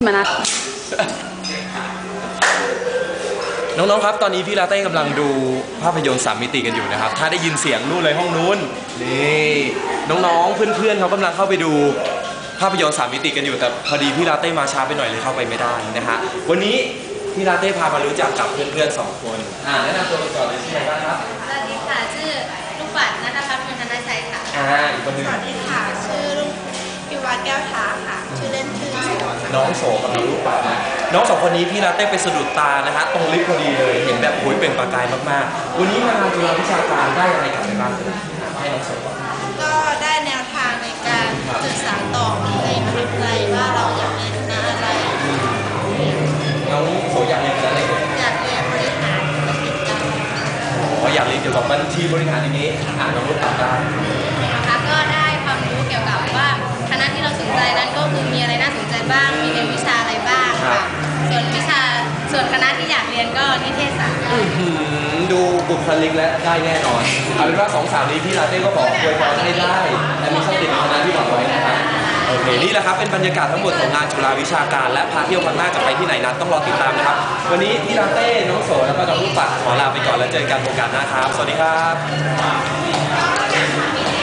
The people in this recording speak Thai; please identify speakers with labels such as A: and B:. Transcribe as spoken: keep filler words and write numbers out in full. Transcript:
A: มานะ
B: น้องๆครับตอนนี้พี่ลาเต้กำลังดูภาพยนตร์สามมิติกันอยู่นะครับถ้าได้ยินเสียงนู่นเลยห้องนู้นนี่น้องๆเพื่อนๆเขากำลังเข้าไปดูภาพยนตร์สามมิติกันอยู่แต่พอดีพี่ลาเต้มาช้าไปหน่อยเลยเข้าไปไม่ได้นะฮะวันนี้พี่ลาเต้พามารู้จักกับเพื่อนๆสองคนอ่าแนะนำตัวกันก่อนเลยชื่ออะไรบ้างครับ
C: สวัสดีค่ะชื่อลูกปัดนัทพัฒน์ธนชัยค่ะ
B: อ่าอีกคนนึง
C: สวัสดีค่ะชื่อลูกพิวัฒน์แก้วท้าค่ะชื่อเล่นชื่อ
B: น้องโสกับน้องลูกปัดนะน้องสองคนนี้พี่ลาเต้ไปสะดุดตานะฮะตรงลิฟต์พอดีเลยเห็นแบบโอ้ยเป็นประกายมากๆวันนี้มาจุฬาวิชาการได้อะไรกลับไปบ้างให้น้องโส
C: ก็ได้แนวทางในการศึกษาต่อในมหาวิทยาลัยว่าเราอยากเรียนคณะอะไร
B: น้องโสอยากเรียนคณะอะไร
C: อยากเรียนบริหารธุรกิจการ
B: อ๋ออยากเรียนเกี่ยวกับบัญชีบริหารอย่างนี้อ่านน้องรุ่นอ่านได้
C: นะคะก็ได้ความรู้เกี่ยวกับว่าคณะที่เราสนใจนั้นก็คือมีอะไรน่าสนใจบ้างมีเรียนวิชาอะไรบ้างค่ะส่วนวิชาส่วนคณะที่อยากเรียนก็นิเทศศาสตร์
B: ดูบุคลิกและได้แน่นอนเอาเป็นว่าสองสาวนี้พี่ลาเต้ก็ขออวยพรให้ได้และมีโชคดีในคณะที่หวังไว้นะครับโอเคนี่แหละครับเป็นบรรยากาศทั้งหมดของงานจุฬาวิชาการและพาเที่ยวครั้งหน้าจะไปที่ไหนนั้นต้องรอติดตามนะครับวันนี้พี่ลาเต้น้องโสแล้วก็น้องลูกปัดขอลาไปก่อนแล้วเจอกันโอกาสหน้าครับสวัสดีครับ